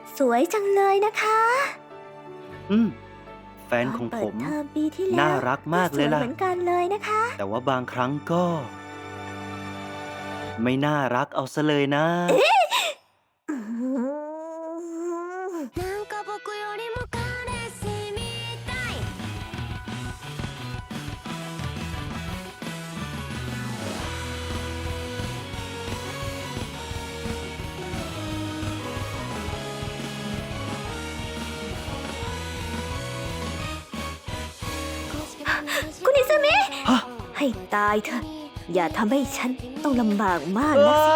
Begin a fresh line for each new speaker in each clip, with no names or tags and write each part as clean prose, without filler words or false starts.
สวยจังเลยนะคะ
แฟนของผม
ตนเปิดเทอมปีที่แล้ว
น่ารักมากเลยล่ะ
สวเหมือนกันเลยนะคะ
แต่ว่าบางครั้งก็ ไม่น่ารักเอาซะเลยนะ
なんか僕よりも彼氏みたい
คุณอิซามิ
ฮะ
ให้ตายเถอะ อย่าทำให้ฉันต้องลำบากมากนะสิ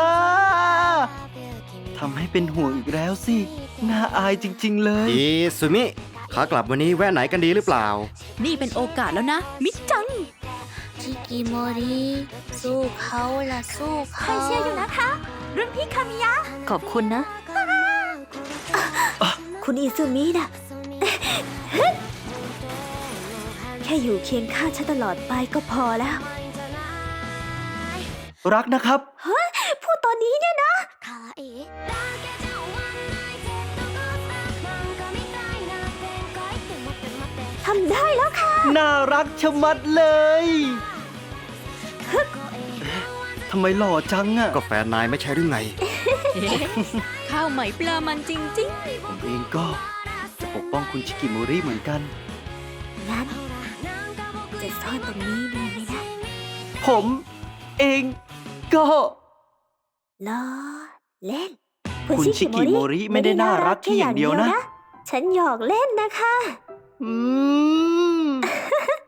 ทำให้เป็นห่วงอีกแล้วสิ น่าอายจริงๆเลย
อีสุมิขากลับวันนี้แวะไหนกันดีหรือเปล่า
นี่เป็นโอกาสแล้วนะ มิจัง
ชิกิโมริสู้เขาล่ะสู้
ใคร
เขา
เชียร์อยู่นะคะ รุ่นพี่คามิยะ ขอบคุณนะ คุณอิซุมินะแค่อยู่เคียงข้างฉันตลอดไปก็พอแล้ว
รักนะครับ
พูดตอนนี้เนี่ยนะ
可愛いだけじゃ終わんないジェットコースター漫画みたいな展開って待って待って
ทำได้แล้วค่ะ
น่ารักชะมัดเลย ทำไมหล่อจังอะ
ก็แฟนนายไม่ใช่หรือไง
ข้าวไหมปลามันจริง
ผมเองก็จะปกป้องคุณชิกิโมริเหมือนกัน
งั้นจะซ่อนตรงนี้ดีไหมนะ
ผมเองก็
ล้อเล่น
คุณชิกิโมริไม่ได้น่ารักแค่อย่างเดียวนะ
ฉันหยอกเล่นนะคะ
อืม